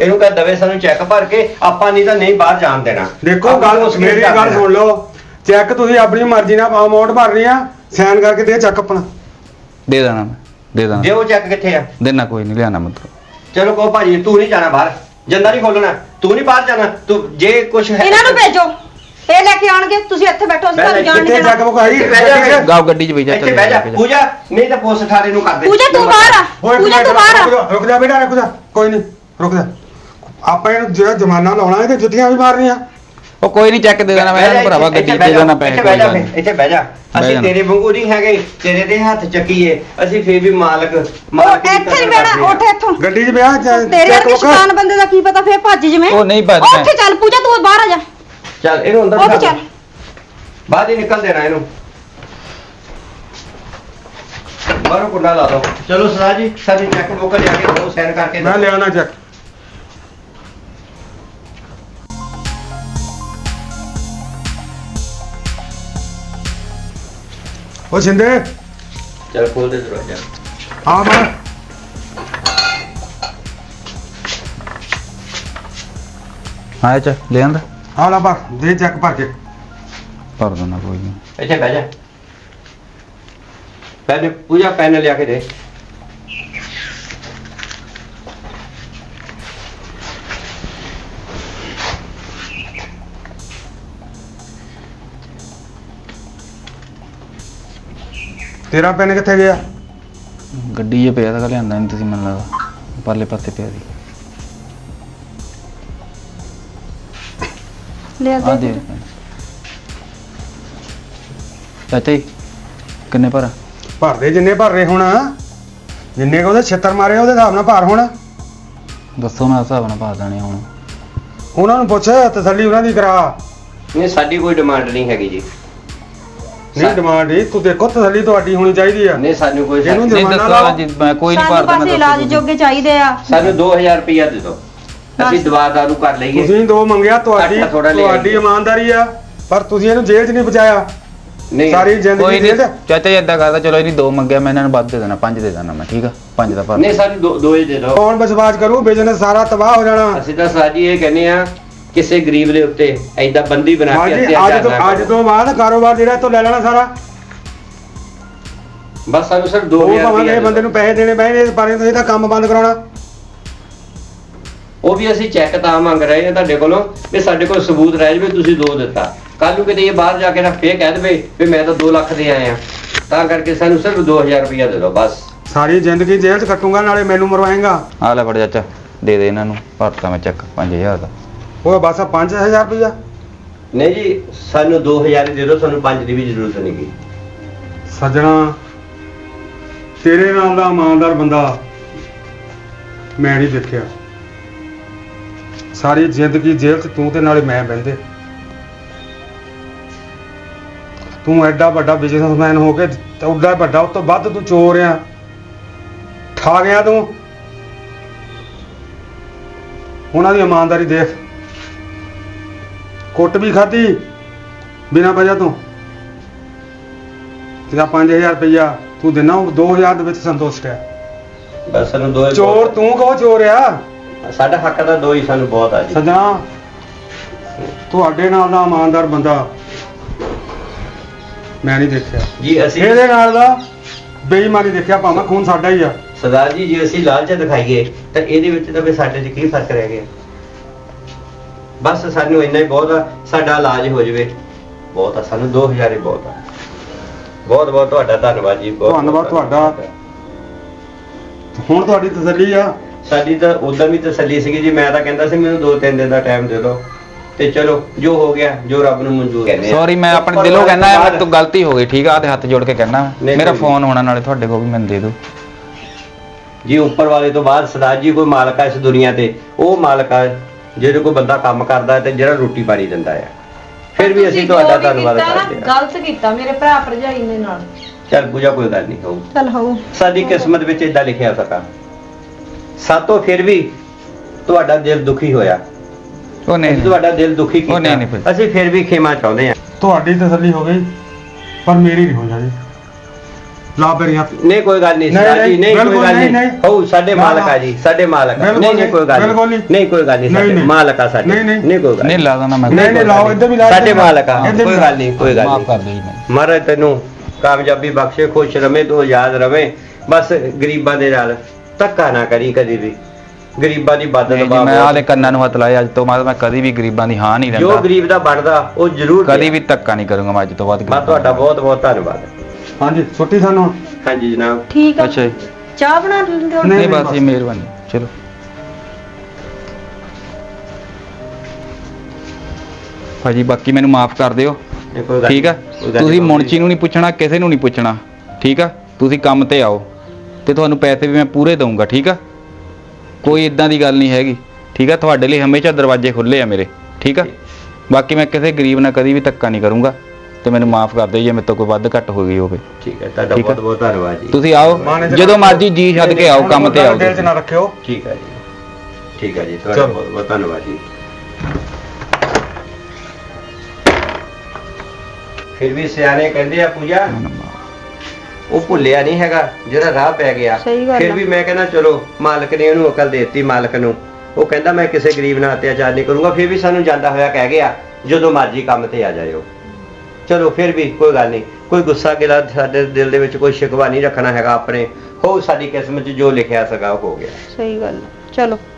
ਇਹਨੂੰ ਕਹ ਦਵੇ ਸਾਨੂੰ ਚੈੱਕ ਭਰ ਕੇ, ਆਪਾਂ ਨਹੀਂ ਤਾਂ ਨਹੀਂ ਬਾਹਰ ਜਾਣ ਦੇਣਾ।
ਦੇਖੋ
ਆਪਾਂ
ਗੱਲ
ਪੁੱਛ ਕੇ
ਮੇਰੀ
ਕਰ
ਗੱਲ
ਦੇਣਾ।
ਸੁਣ ਲਓ, ਚੈੱਕ ਤੁਸੀਂ ਆਪਣੀ ਮਰਜ਼ੀ ਨਾਲ ਅਮਾਉਂਟ ਭਰਨੀ ਆ, ਸਾਈਨ ਕਰਕੇ ਦੇ ਚੱਕ ਆਪਣਾ।
ਦੇ ਦੇਣਾ ਮੈਂ, ਦੇ ਦੇਣਾ।
ਜੇ ਉਹ ਚੈੱਕ ਕਿੱਥੇ ਆ?
ਦੇਣਾ ਕੋਈ ਨਹੀਂ, ਲਿਆਣਾ ਮਤਲਬ।
ਚਲੋ ਕਹੋ ਭਾਜੀ ਤੂੰ ਨਹੀਂ ਜਾਣਾ ਬਾਹਰ, ਜੰਦਾ ਨਹੀਂ ਖੋਲਣਾ, ਤੂੰ ਨਹੀਂ ਬਾਹਰ ਜਾਣਾ, ਤੂੰ ਜੇ ਕੁਝ ਹੈ
ਇਹਨਾਂ ਨੂੰ ਭੇਜੋ, ਇਹ ਲੈ ਕੇ ਆਣਗੇ, ਤੁਸੀਂ ਇੱਥੇ ਬੈਠੋ, ਅਸੀਂ ਤੁਹਾਨੂੰ ਜਾਣ ਨਹੀਂ
ਕਿੱਥੇ
ਦੇਣਾ।
ਚੱਕ ਮੁਕਾ
ਇੱਥੇ ਬਹਿ ਜਾ।
ਹੀ
ਗਾਓ ਗੱਡੀ 'ਚ ਬਈ ਜਾ,
ਇੱਥੇ ਬਹਿ ਜਾ ਪੂਜਾ, ਨਹੀਂ ਤਾਂ ਪੁਲਿਸ ਥਾਣੇ ਨੂੰ ਕਰ ਦੇ।
ਪੂਜਾ ਤੂੰ ਬਾਹਰ ਆ, ਪੂਜਾ ਤੂੰ ਬਾਹਰ ਆ।
ਰੁਕ ਜਾ ਬੇਟਾ, ਰੁਕ ਜਾ, ਕੋਈ ਨਹੀਂ ਰੁਕ ਜਾ। ਆਪਾਂ ਇਹਨੂੰ ਜਿਹੜਾ ਜਮਾਨਾ ਲਾਉਣਾ ਤੇ ਜੁੱਤੀਆਂ ਵੀ ਮਾਰਨੀਆਂ।
ਉਹ ਕੋਈ ਨਹੀਂ, ਚੈੱਕ ਦੇ ਦੇਣਾ ਮੈਂ ਇਹਨੂੰ ਭਰਾਵਾ, ਗੱਡੀ 'ਚ ਦੇ ਦੇਣਾ ਪੈਸੇ।
ਇੱਥੇ ਬਹਿ ਜਾ, ਇੱਥੇ ਬਹਿ ਜਾ।
ਬਹਿ
ਅਸੀਂ
ਜਾਣਾ।
ਤੇਰੇ ਵਾਂਗੂ ਨਹੀਂ ਹੈਗੇ, ਤੇਰੇ ਦੇ ਹੱਥ ਚੱਕੀਏ, ਅਸੀਂ ਫੇਰ ਵੀ ਮਾਲਕ
ਉਹ
ਦੀ
ਇੱਥੇ ਨਹੀਂ
ਕਦਰ
ਬੈਣਾ,
ਕਰਦੇ ਆ।
ਉੱਠ ਇੱਥੋਂ।
ਗੱਡੀ 'ਚ ਵਿਆਹ
ਤੇਰੇ ਵਰਗੇ ਸ਼ੈਤਾਨ ਬੰਦੇ ਦਾ ਕੀ ਪਤਾ, ਫੇਰ ਭੱਜ ਜਿਵੇਂ।
ਉਹ ਨਹੀਂ ਭੱਜਣਾ।
ਉੱਥੇ ਚੱਲ ਪੂਜਾ, ਤੂੰ ਬਾਹਰ ਆ ਜਾ।
ਚੱਲ ਇਹਨੂੰ ਅੰਦਰ
ਉੱਥੇ
ਬਿਠਾ
ਚੱਲ।
ਦੇ। ਬਾਹਰ ਹੀ ਨਿਕਲ ਦੇਣਾ ਇਹਨੂੰ, ਬਾਹਰੋਂ ਕੁੰਡਾ ਲਾ ਦੋ। ਚਲੋ ਸਰਦਾਰ ਜੀ, ਸਾਡੀ ਚੈੱਕ ਬੁੱਕ ਲਿਆ ਕੇ ਦੋ, ਸਾਈਨ ਕਰਕੇ
ਮੈਂ ਲਿਆਉਣਾ ਚੱਕ। ਉਹ ਸਿੰਦੇ
ਚਲ ਖੋਲ ਦੇ ਦਰਵਾਜ਼ਾ।
ਆ ਬਾਹਰ।
ਹਾਂ ਚ ਲੈ ਆਂਦਾ,
ਆ ਲੈ ਬਾਹਰ ਦੇ ਚੱਕ ਭਰ ਕੇ।
ਭਰ ਦੇਣਾ ਕੋਈ ਨਹੀਂ।
ਇੱਥੇ ਬਹਿ ਜਾ। ਪੈਨ ਪੂਜਾ, ਪੈਨ ਲਿਆ ਕੇ ਦੇ।
ਤੇਰਾ ਪੈਨ ਕਿੱਥੇ ਗਿਆ?
ਗੱਡੀ 'ਚ ਪਿਆ ਤਾਂ ਲਿਆਂਦਾ ਨਹੀਂ ਤੁਸੀਂ, ਮੈਨੂੰ ਲੱਗਦਾ ਪਰਲੇ ਪਾਸੇ ਪਿਆ ਸੀ।
ਲੈ
ਆ ਦੇ ਚਾਚਾ ਜੀ, ਕਿੰਨੇ ਭਰਾ?
ਭਰ ਦੇ ਜਿੰਨੇ ਭਰ ਰਹੇ ਹੁਣ, ਜਿੰਨੇ ਕੁ ਉਹਦੇ ਛਿੱਤਰ ਮਾਰੇ ਉਹਦੇ ਹਿਸਾਬ ਨਾਲ ਭਰ ਹੁਣ।
ਦੱਸੋ, ਮੈਂ ਹਿਸਾਬ ਨਾਲ ਪਾ ਦੇਣੇ ਹੁਣ।
ਉਹਨਾਂ ਨੂੰ ਪੁੱਛ, ਤਸੱਲੀ ਉਹਨਾਂ ਦੀ ਕਰਾ।
ਨਹੀਂ ਸਾਡੀ ਕੋਈ ਡਿਮਾਂਡ ਨਹੀਂ ਹੈਗੀ ਜੀ।
ਨਹੀਂ ਡਿਮਾਂਡ ਹੀ ਤੂੰ ਦੇਖੋ, ਤਸੱਲੀ ਤੁਹਾਡੀ ਹੋਣੀ ਚਾਹੀਦੀ ਆ।
ਨਹੀਂ ਸਾਨੂੰ ਕੋਈ
ਇਹਨੂੰ
ਨਹੀਂ
ਜੁਰਮਾਨਾ
ਦੱਸੋ
ਲਾਓ।
ਜੀ, ਮੈਂ ਕੋਈ ਨਹੀਂ
ਸਾਨੂੰ
ਭਰਦਾ।
ਬਸ ਇਲਾਜ ਜੋਗੇ ਚਾਹੀਦੇ ਆ।
ਸਾਨੂੰ 2000 ਰੁਪਇਆ ਦੇ ਦਿਓ, ਅਸੀਂ
ਬਸ।
ਦਵਾ ਦਾਰੂ ਕਰ ਲਈਏ।
ਤੁਸੀਂ ਦੋ ਮੰਗਿਆ, ਤੁਹਾਡੀ
ਘੱਟ ਥੋੜ੍ਹਾ ਲੈ
ਤੁਹਾਡੀ
ਆਈਏ।
ਇਮਾਨਦਾਰੀ ਆ, ਪਰ ਤੁਸੀਂ ਇਹਨੂੰ ਜੇਲ੍ਹ 'ਚ ਨਹੀਂ ਪਹੁੰਚਾਇਆ।
ਨਹੀਂ
ਸਾਰੀ
ਕੋਈ
ਜ਼ਿੰਦਗੀ
ਨਹੀਂ
ਜੇਲ੍ਹ 'ਚ।
ਚਾਚਾ ਜੀ, ਏਦਾਂ ਕਰਦਾ, ਚਲੋ ਇਹਦੀ 2 ਮੰਗਿਆ, ਮੈਂ ਇਹਨਾਂ ਨੂੰ ਵੱਧ ਦੇ ਦੇਣਾ, 5 ਦੇ ਦੇਣਾ ਮੈਂ, ਠੀਕ ਆ? 5 ਦਾ ਭਰ
ਨਹੀਂ ਸਾਨੂੰ ਦੋ ਹੀ ਦੇ ਦਿਓ।
ਕੌਣ ਵਿਸ਼ਵਾਸ ਕਰੂ? ਬਿਜ਼ਨਸ ਸਾਰਾ ਤਬਾਹ ਹੋ ਜਾਣਾ।
ਅਸੀਂ ਤਾਂ ਸਾਜੀ ਇਹ ਕਹਿੰਦੇ ਆ, ਕਿਸੇ ਗਰੀਬ ਦੇ ਉੱਤੇ ਐਦਾਂ ਬੰਦੀ ਬਣਾ ਕੇ
ਹਾਂਜੀ,
ਅਤਿਆਚਾਰ ਨਾ
ਅੱਜ
ਕਰੋ।
ਤੋਂ ਬਾਅਦ ਕਾਰੋਬਾਰ ਜਿਹੜਾ ਤੋਂ ਲੈ ਲੈਣਾ ਸਾਰਾ।
ਬਸ ਸਾਨੂੰ ਸਿਰਫ
ਉਹ
2000
ਭਾਵੇਂ
ਰੁਪਇਆ
ਇਹ ਬੰਦੇ ਨੂੰ ਪੈਸੇ ਦੇਣੇ ਪੈਣੇ, ਪਰ ਤੁਸੀਂ ਤਾਂ ਕੰਮ ਬੰਦ ਕਰਾਉਣਾ।
ਉਹ ਵੀ ਅਸੀਂ ਚੈੱਕ ਤਾਂ ਮੰਗ ਰਹੇ ਹਾਂ ਤੁਹਾਡੇ ਕੋਲੋਂ, ਵੀ ਸਾਡੇ ਕੋਲ ਸਬੂਤ ਰਹਿ ਜਾਵੇ ਤੁਸੀਂ 2 ਦਿੱਤਾ। ਕੱਲ ਨੂੰ ਕਿਤੇ ਇਹ ਬਾਹਰ ਜਾ ਕੇ ਨਾ ਫੇਰ ਕਹਿ ਦੇਵੇ ਵੀ ਮੈਂ ਤਾਂ 2 ਲੱਖ ਦੇ ਆਏ ਆ, ਤਾਂ ਕਰਕੇ ਸਾਨੂੰ ਸਿਰਫ 2000 ਰੁਪਇਆ ਦੇ ਦਿਓ ਬਸ।
ਸਾਰੀ ਜ਼ਿੰਦਗੀ ਜੇਲ੍ਹ 'ਚ ਕੱਟੂਗਾ, ਨਾਲੇ ਮੈਨੂੰ ਮਰਵਾਏਗਾ।
ਆ ਲੈ ਫੜ ਚਾਚਾ, ਦੇ ਦੇ ਇਹਨਾਂ ਨੂੰ, ਭਰਤਾ ਮੈਂ ਚੈੱਕ 5000 ਦਾ।
ਉਹ ਬਸ 5000 ਰੁਪਇਆ।
ਨਹੀਂ ਜੀ, ਸਾਨੂੰ 2000 ਹੀ ਦੇ ਦਿਓ, ਸਾਨੂੰ 5 ਦੀ ਵੀ ਜ਼ਰੂਰਤ ਨਹੀਂ ਗੀ।
ਸੱਜਣਾ, ਤੇਰੇ ਨਾਲ ਦਾ ਇਮਾਨਦਾਰ ਬੰਦਾ ਮੈਂ ਨਹੀਂ ਦੇਖਿਆ। ਸਾਰੀ ਜ਼ਿੰਦਗੀ ਜੇਲ੍ਹ 'ਚ ਤੂੰ ਤੇ ਨਾਲੇ ਮੈਂ ਬਹਿੰਦੇ। ਤੂੰ ਐਡਾ ਵੱਡਾ ਬਿਜ਼ਨਸਮੈਨ ਹੋ ਕੇ ਉੱਡਾ ਵੱਡਾ, ਉਸ ਤੋਂ ਵੱਧ ਤੂੰ ਚੋਰ ਆ, ਠਾ ਗਿਆ ਤੂੰ। ਉਹਨਾਂ ਦੀ ਇਮਾਨਦਾਰੀ ਦੇਖ, ਕੁੱਟ ਵੀ ਖਾਧੀ ਬਿਨਾਂ ਵਜ੍ਹਾ ਤੋਂ। ਤੇਰਾ 5000 ਰੁਪਇਆ ਤੂੰ ਦੇਣਾ, ਉਹ 2000 ਦੇ ਵਿੱਚ ਸੰਤੁਸ਼ਟ ਹੈ।
ਬਸ ਸਾਨੂੰ 2
ਚੋਰ ਤੂੰ ਕਹੋ ਚੋਰ ਆ।
ਸਾਡਾ ਹੱਕ ਦਾ 2 ਹੀ ਸਾਨੂੰ ਬਹੁਤ ਆ ਜੀ।
ਸੱਜਣਾ, ਤੁਹਾਡੇ ਨਾਲ ਦਾ ਇਮਾਨਦਾਰ ਬੰਦਾ ਮੈਂ ਨਹੀਂ ਦੇਖਿਆ।
ਜੀ ਅਸੀਂ
ਇਹਦੇ ਨਾਲ ਦਾ ਬੇਈਮਾਨੀ ਦੇਖਿਆ, ਭਾਵੇਂ ਖੂਨ ਸਾਡਾ ਹੀ ਆ।
ਸਰਦਾਰ ਜੀ, ਜੇ ਅਸੀਂ ਲਾਲਚ ਦਿਖਾਈਏ ਤਾਂ ਇਹਦੇ ਵਿੱਚ ਤਾਂ ਵੀ ਸਾਡੇ 'ਚ ਕੀ ਫਰਕ ਰਹਿ ਗਿਆ? ਬਸ ਸਾਨੂੰ ਇੰਨਾ ਹੀ ਬਹੁਤ ਆ, ਸਾਡਾ ਇਲਾਜ ਹੋ ਜਾਵੇ ਬਹੁਤ ਆ, ਸਾਨੂੰ 2000 ਹੀ ਬਹੁਤ ਆ। ਬਹੁਤ ਬਹੁਤ ਤੁਹਾਡਾ ਧੰਨਵਾਦ ਜੀ। ਬਹੁਤ
ਧੰਨਵਾਦ ਤੁਹਾਡਾ। ਹੁਣ ਤੁਹਾਡੀ ਤਸੱਲੀ ਆ।
ਸਾਡੀ ਤਾਂ ਉਦੋਂ ਵੀ ਤਸੱਲੀ ਸੀਗੀ ਜੀ। ਮੈਂ ਤਾਂ ਕਹਿੰਦਾ ਸੀ ਮੈਨੂੰ 2-3 ਦਿਨ ਦਾ ਟਾਈਮ ਦੇ ਦਿਓ, ਤੇ ਚਲੋ ਜੋ ਹੋ ਗਿਆ, ਜੋ ਰੱਬ ਨੂੰ ਮਨਜ਼ੂਰ ਕਹਿੰਦੇ ਆ।
ਸੌਰੀ, ਮੈਂ ਆਪਣੇ ਦਿਲੋਂ ਕਹਿਣਾ, ਮੇਰੇ ਤੋਂ ਗਲਤੀ ਹੋ ਗਈ, ਠੀਕ ਆ? ਤੇ ਹੱਥ ਜੋੜ ਕੇ ਕਹਿਣਾ,
ਨਹੀਂ,
ਮੇਰਾ
ਕੋਈ
ਫੋਨ ਹੋਣਾ ਨਾਲੇ ਤੁਹਾਡੇ ਕੋਲ ਵੀ, ਮੈਨੂੰ ਦੇ ਦਿਓ
ਜੀ। ਉੱਪਰ ਵਾਲੇ ਤੋਂ ਬਾਅਦ ਸਰਦਾਰ ਜੀ ਕੋਈ ਮਾਲਕ ਆ ਇਸ ਦੁਨੀਆ ਤੇ, ਉਹ ਮਾਲਕ ਆ ਜਿਹੜੇ ਕੋਈ ਬੰਦਾ ਕੰਮ ਕਰਦਾ ਤੇ ਜਿਹੜਾ ਰੋਟੀ ਪਾਣੀ ਦਿੰਦਾ ਆ। ਫਿਰ ਵੀ ਅਸੀਂ ਤੁਹਾਡਾ ਧੰਨਵਾਦ ਕਰਦੇ ਹਾਂ।
ਗਲਤ ਕੀਤਾ ਮੇਰੇ ਭਰਾ ਭਰਜਾਈ ਦੇ ਨਾਲ।
ਚੱਲ ਪੂਜਾ, ਕੋਈ ਗੱਲ ਨਹੀਂ ਹੋਊ,
ਚੱਲ ਹੋ।
ਸਾਡੀ ਕਿਸਮਤ ਵਿੱਚ ਇਦਾਂ ਲਿਖਿਆ ਸਕਾ। ਸਾਤੋਂ ਫਿਰ ਵੀ ਤੁਹਾਡਾ ਦਿਲ ਦੁਖੀ ਹੋਇਆ।
ਉਹ ਨਹੀਂ,
ਅਸੀਂ ਤੁਹਾਡਾ ਦਿਲ ਦੁਖੀ
ਉਹ ਨਹੀਂ, ਨਹੀਂ
ਕੀਤਾ,
ਭਾਈ।
ਅਸੀਂ ਫਿਰ ਵੀ ਖਿਮਾ ਚਾਹੁੰਦੇ ਹਾਂ।
ਤੁਹਾਡੀ ਤਸੱਲੀ ਹੋ ਗਈ, ਪਰ ਮੇਰੀ ਨਹੀਂ ਹੋ ਜਾਣੀ। ਲਾ ਮੇਰੀਆਂ
ਨਹੀਂ ਕੋਈ ਗੱਲ ਨਹੀਂ
ਨਹੀਂ,
ਸਰਦਾਰ ਜੀ, ਨਹੀਂ ਕੋਈ
ਬਿਲਕੁਲ
ਗੱਲ
ਨਹੀਂ,
ਨਹੀਂ
ਨਹੀਂ।
ਹੋ ਸਾਡੇ
ਨਾ,
ਮਾਲਕ ਆ
ਨਾ।
ਜੀ, ਸਾਡੇ ਮਾਲਕ ਆ।
ਬਿਲਕੁਲ
ਨਹੀਂ ਨਹੀਂ ਕੋਈ ਗੱਲ
ਬਿਲਕੁਲ
ਨਹੀਂ
ਨਹੀਂ।
ਨਹੀਂ ਕੋਈ ਗੱਲ ਨਹੀਂ
ਨਹੀਂ,
ਸਾਡੇ
ਨਹੀਂ।
ਮਾਲਕ ਆ ਸਾਡੇ
ਨਹੀਂ, ਨਹੀਂ।
ਨਹੀਂ ਕੋਈ ਗੱਲ
ਨਹੀਂ ਲਾ ਦੇਣਾ ਮੈਂ
ਨਹੀਂ, ਨਹੀਂ, ਲਾਓ, ਇੱਧਰ ਵੀ ਲਾਓ,
ਸਾਡੇ
ਇੱਧਰ ਵੀ
ਮਾਲਕ ਆ
ਲਾਓ।
ਕੋਈ ਗੱਲ ਨਹੀਂ ਕੋਈ ਗੱਲ
ਮਾਫ ਕਰ
ਨਹੀਂ
ਦਿਓ ਜੀ ਮੈਨੂੰ।
ਮਹਾਰਾਜ ਤੈਨੂੰ ਕਾਮਯਾਬੀ ਬਖਸ਼ੇ, ਖੁਸ਼ ਰਵੇਂ ਤੂੰ, ਆਜ਼ਾਦ ਰਵੇਂ। ਬਸ ਗਰੀਬਾਂ ਦੇ ਨਾਲ ਧੱਕਾ ਨਾ ਕਰੀ ਕਦੀ ਵੀ, ਗਰੀਬਾਂ ਦੀ ਮਦਦ
ਨਹੀਂ ਜੀ,
ਬਾਬਾ
ਮੈਂ ਆਲੇ ਕੰਨਾਂ ਨੂੰ ਹੱਥ ਲਾਇਆ ਅੱਜ ਤੋਂ ਬਾਅਦ ਮੈਂ ਕਦੀ ਵੀ ਗਰੀਬਾਂ ਦੀ ਹਾਂ ਨਹੀਂ
ਜੋ
ਦਿੰਦਾ,
ਗਰੀਬ ਦਾ ਬਣਦਾ ਉਹ ਜ਼ਰੂਰ
ਕਦੀ
ਦੇ।
ਵੀ ਧੱਕਾ ਨਹੀਂ ਕਰੂੰਗਾ ਮੈਂ ਅੱਜ ਤੋਂ ਬਾਅਦ
ਮੈਂ ਤੁਹਾਡਾ ਬਹੁਤ ਬਹੁਤ ਧੰਨਵਾਦ।
ਹਾਂਜੀ ਛੁੱਟੀ ਸਾਨੂੰ ਹੁਣ।
ਹਾਂਜੀ ਜਨਾਬ।
ਠੀਕ ਆ
ਅੱਛਾ ਜੀ
ਚਾਹ ਬਣਾ ਲੈਂਦੇ ਹੋ
ਨਹੀਂ,
ਨਹੀਂ ਬਸ ਜੀ ਮਿਹਰਬਾਨੀ ਚਲੋ। ਭਾਜੀ ਬਾਕੀ ਮੈਨੂੰ ਮਾਫ ਕਰ ਦਿਓ
ਨਹੀਂ, ਕੋਈ ਗੱਲ
ਠੀਕ ਆ।
ਨਹੀਂ, ਕੋਈ ਗੱਲ
ਤੁਸੀਂ
ਨਹੀਂ।
ਮੁਨਸ਼ੀ ਨੂੰ ਨਹੀਂ ਪੁੱਛਣਾ, ਕਿਸੇ ਨੂੰ ਨਹੀਂ ਪੁੱਛਣਾ ਠੀਕ ਆ। ਤੁਸੀਂ ਕੰਮ ਤੇ ਆਓ ਤੇ ਤੁਹਾਨੂੰ ਪੈਸੇ ਵੀ ਮੈਂ ਪੂਰੇ ਦਊਂਗਾ ਠੀਕ ਆ। ਕੋਈ ਇਦਾਂ ਦੀ ਗੱਲ ਨਹੀਂ ਹੈਗੀ ਠੀਕ ਆ। ਤੁਹਾਡੇ ਲਈ ਹਮੇਸ਼ਾ ਦਰਵਾਜ਼ੇ ਖੁੱਲੇ ਆ ਮੇਰੇ ਠੀਕ ਆ। ਬਾਕੀ ਮੈਂ ਕਿਸੇ ਗਰੀਬ ਨਾਲ ਕਦੀ ਵੀ ਧੱਕਾ ਨਹੀਂ ਕਰੂੰਗਾ ਤੇ ਮੈਨੂੰ ਮਾਫ ਕਰ ਦਿਓ ਜੇ ਮੇਰੇ ਤੋਂ ਕੋਈ ਵੱਧ ਘੱਟ ਹੋ ਗਈ ਹੋਵੇ।
ਠੀਕ ਹੈ ਤੁਹਾਡਾ
ਠੀਕ ਹੈ।
ਬਹੁਤ ਬਹੁਤ ਧੰਨਵਾਦ ਜੀ।
ਤੁਸੀਂ ਆਓ
ਮਾਨੇਜਰ
ਜਦੋਂ ਮਰਜ਼ੀ ਜੀ ਛੱਡ ਕੇ ਆਓ, ਕੰਮ ਤੇ ਆਓ
ਦਿਲ 'ਚ ਨਾ ਰੱਖਿਓ।
ਠੀਕ ਹੈ ਜੀ, ਠੀਕ ਹੈ ਜੀ, ਤੁਹਾਡਾ
ਚਲੋ।
ਬਹੁਤ ਬਹੁਤ ਧੰਨਵਾਦ ਜੀ। ਫਿਰ ਵੀ ਸਿਆਣੇ ਕਹਿੰਦੇ ਆ ਪੂਜਾ, ਉਹ ਭੁੱਲਿਆ ਨਹੀਂ ਹੈਗਾ ਜਿਹੜਾ ਰਾਹ ਪੈ ਗਿਆ।
ਸਹੀ ਗੱਲ
ਫਿਰ
ਆ।
ਵੀ ਮੈਂ ਕਹਿੰਦਾ ਚਲੋ ਮਾਲਕ ਨੇ ਉਹਨੂੰ ਅਕਲ ਦੇਤੀ, ਮਾਲਕ ਨੂੰ। ਉਹ ਕਹਿੰਦਾ ਮੈਂ ਕਿਸੇ ਗਰੀਬ ਨਾਲ ਅਤਿਆਚਾਰ ਨਹੀਂ ਕਰੂੰਗਾ। ਫਿਰ ਵੀ ਸਾਨੂੰ ਜਾਂਦਾ ਹੋਇਆ ਕਹਿ ਗਿਆ ਜਦੋਂ ਮਰਜ਼ੀ ਕੰਮ ਤੇ ਆ ਜਾਇਓ। ਚਲੋ ਫਿਰ ਵੀ ਕੋਈ ਗੱਲ ਨਹੀਂ, ਕੋਈ ਗੁੱਸਾ ਗਿਲਾ ਸਾਡੇ ਦਿਲ ਦੇ ਵਿੱਚ ਕੋਈ ਸ਼ਿਕਵਾ ਨਹੀਂ ਰੱਖਣਾ ਹੈਗਾ ਆਪਣੇ। ਹੋ ਸਾਡੀ ਕਿਸਮਤ 'ਚ ਜੋ ਲਿਖਿਆ ਸੀਗਾ ਉਹ ਹੋ ਗਿਆ।
ਸਹੀ ਗੱਲ ਆ। ਚਲੋ